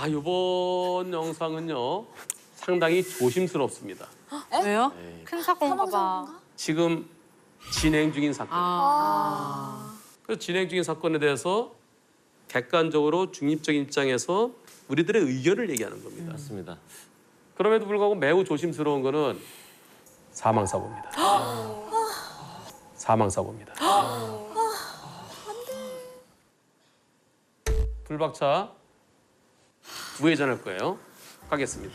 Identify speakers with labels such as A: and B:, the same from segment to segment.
A: 자, 이번 영상은요 상당히 조심스럽습니다.
B: 왜요? 큰 사건인가 봐.
A: 지금 진행 중인 사건. 그래서 진행 중인 사건에 대해서 객관적으로 중립적인 입장에서 우리들의 의견을 얘기하는 겁니다.
C: 맞습니다.
A: 그럼에도 불구하고 매우 조심스러운 거는 사망 사고입니다. 사망 사고입니다. 불박차 우회전할 거예요. 가겠습니다.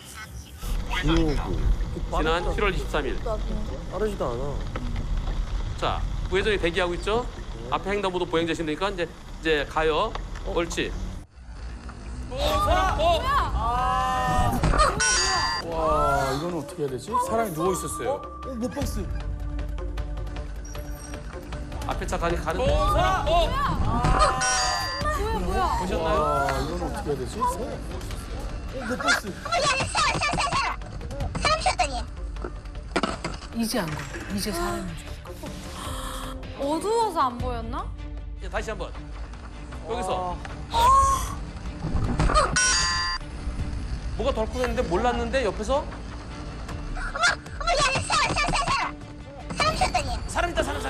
A: 지난 7월 23일.
C: 빠르지도 않아.
A: 자, 우회전이 대기하고 있죠? 앞에 횡단보도 보행자 신으니까 이제 가요. 옳지.
D: 와, 이거는 어떻게 해야 되지? 사람이 누워 있었어요.
C: 못 봤어.
A: 앞에 차 가니 가는데. 보셨나요?
D: 와, 이거는 어떻게 해야 되지?
C: 못 봤어.
B: 이제 안 가. 이제 사람이
E: 어두워서 안 보였나?
A: 이제 다시 한번. 여기서. 뭐가 덜컥했는데 몰랐는데 옆에서 사람 있다 사람.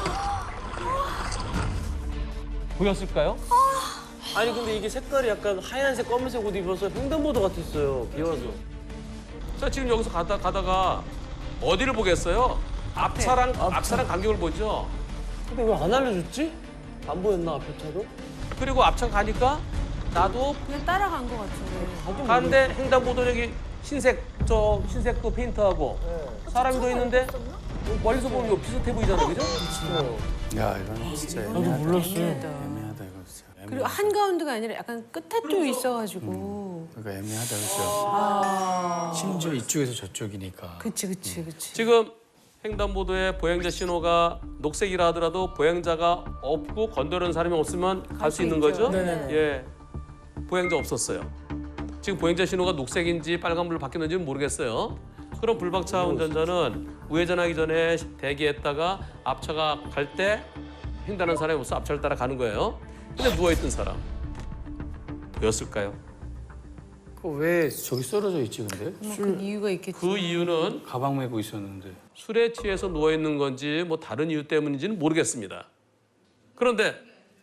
A: 보였을까요?
C: 아니 근데 이게 색깔이 약간 하얀색, 검은색 옷 입어서 횡단보도 같았어요. 비 와서.
A: 자, 지금 여기서 가다가 어디를 보겠어요? 앞차랑 간격을 보죠.
C: 근데 왜 안 알려줬지? 안 보였나 앞에 차도?
A: 그리고 앞차가 가니까 나도
B: 그냥 따라간 것 같은데.
A: 가는데 횡단보도 여기 흰색 그 페인트하고 사람이 더 있는데 멀리서 보면 이거 비슷해 보이잖아요, 그죠?
D: 야, 이건 진짜
C: 나도
D: 애매하다.
C: 몰랐어요.
D: 애매하다, 이거 진짜.
B: 그리고 한가운데가 아니라 약간 끝에 또 있어가지고.
D: 그러니까 애매하다, 그죠? 심지어 이쪽에서 저쪽이니까.
B: 그치.
A: 지금 횡단보도에 보행자 신호가 녹색이라 하더라도 보행자가 없고 건너는 사람이 없으면 갈 수 있는 거죠?
B: 네네네.
A: 예. 보행자 없었어요. 지금 보행자 신호가 녹색인지 빨간불로 바뀌었는지는 모르겠어요. 그럼 불박차 운전자는 우회전하기 전에 대기했다가 앞차가 갈 때 횡단하는 사람이 없어 앞차를 따라 가는 거예요. 근데 누워있던 사람 보였을까요?
D: 왜 저기 쓰러져 있지, 근데?
B: 그 이유가 있겠지.
A: 그 이유는
D: 가방 메고 있었는데.
A: 술에 취해서 누워있는 건지 뭐 다른 이유 때문인지는 모르겠습니다. 그런데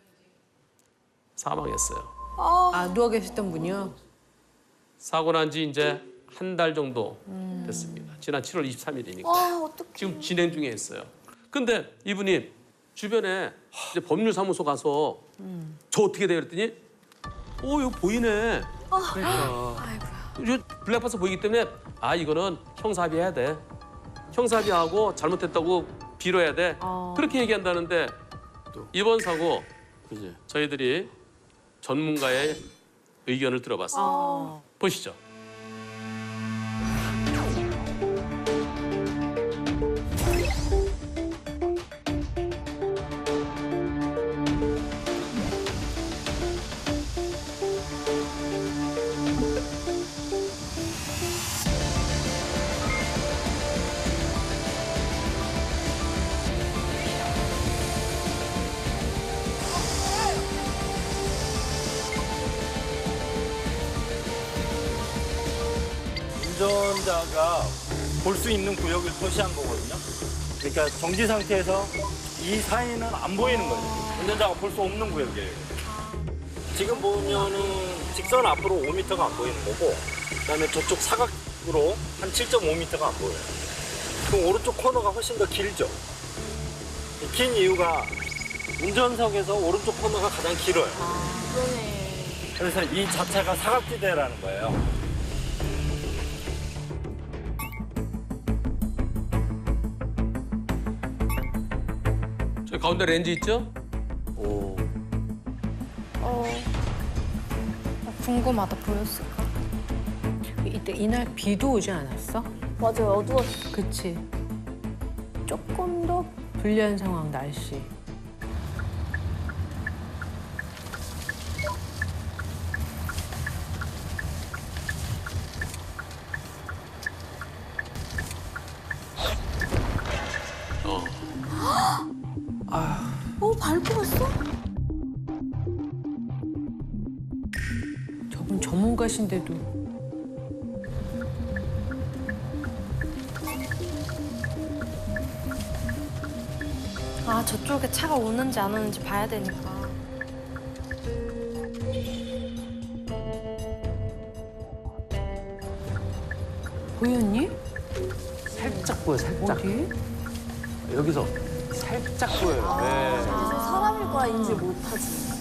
A: 사망했어요.
B: 아, 누워 계셨던 분이요?
A: 사고 난 지 이제 한 달 정도 됐습니다. 지난 7월 23일이니까. 지금 진행 중에 있어요. 근데 이분이 주변에 이제 법률사무소 가서 저 어떻게 돼요? 그랬더니 이거 보이네. 이거 블랙박스 보이기 때문에 이거는 형사합의해야 돼. 형사합의하고 잘못했다고 빌어야 돼. 그렇게 얘기한다는데 이번 사고
D: 그지?
A: 저희들이 전문가의 의견을 들어봤습니다. 보시죠.
F: 운전자가 볼 수 있는 구역을 표시한 거거든요. 그러니까 정지 상태에서 이 사이는 안 보이는 거예요. 운전자가 볼 수 없는 구역이에요. 지금 보면은 직선 앞으로 5m가 안 보이는 거고, 그다음에 저쪽 사각으로 한 7.5m가 안 보여요. 그럼 오른쪽 코너가 훨씬 더 길죠. 이긴 이유가 운전석에서 오른쪽 코너가 가장 길어요. 그래서 이 자체가 사각지대라는 거예요.
A: 저 가운데 렌즈 있죠?
E: 궁금하다. 보였을까?
B: 이때 이날 비도 오지 않았어?
E: 맞아요. 어두웠어.
B: 그치. 조금 더 불리한 상황, 날씨.
E: 밟고 갔어?
B: 저분 전문가 가신데도.
E: 아, 저쪽에 차가 오는지 안 오는지 봐야 되니까.
B: 보였니?
C: 살짝 보여, 살짝.
B: 어디?
C: 여기서 살짝 보여요. 네.
E: 사람일 거라 인지 못하지.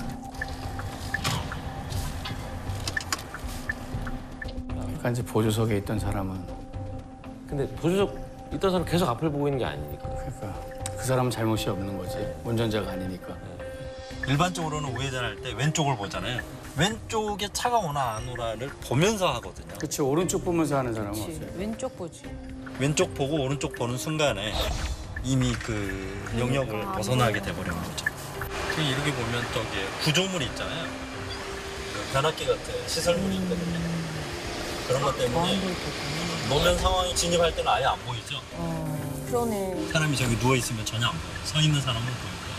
D: 그러니까 이제 보조석에 있던 사람은
C: 근데 보조석 있던 사람 계속 앞을 보고 있는 게 아니니까.
D: 그러니까 그 사람은 잘못이 없는 거지. 운전자가 아니니까.
F: 일반적으로는 우회전할 때 왼쪽을 보잖아요. 왼쪽에 차가 오나 안 오나를 보면서 하거든요.
D: 그치 오른쪽 보면서 하는 사람은
B: 그치.
D: 없어요.
B: 왼쪽 보지.
F: 왼쪽 보고 오른쪽 보는 순간에 이미 그 영역을 벗어나게 돼버리는 거죠. 지금 이렇게 보면 저기 구조물이 있잖아요. 그 변압기 같은 시설물이 있거든요. 그런 것 때문에 노면 상황에 진입할 때는 아예 안 보이죠.
E: 그러네.
F: 사람이 저기 누워 있으면 전혀 안 보여요. 서 있는 사람은 보이고.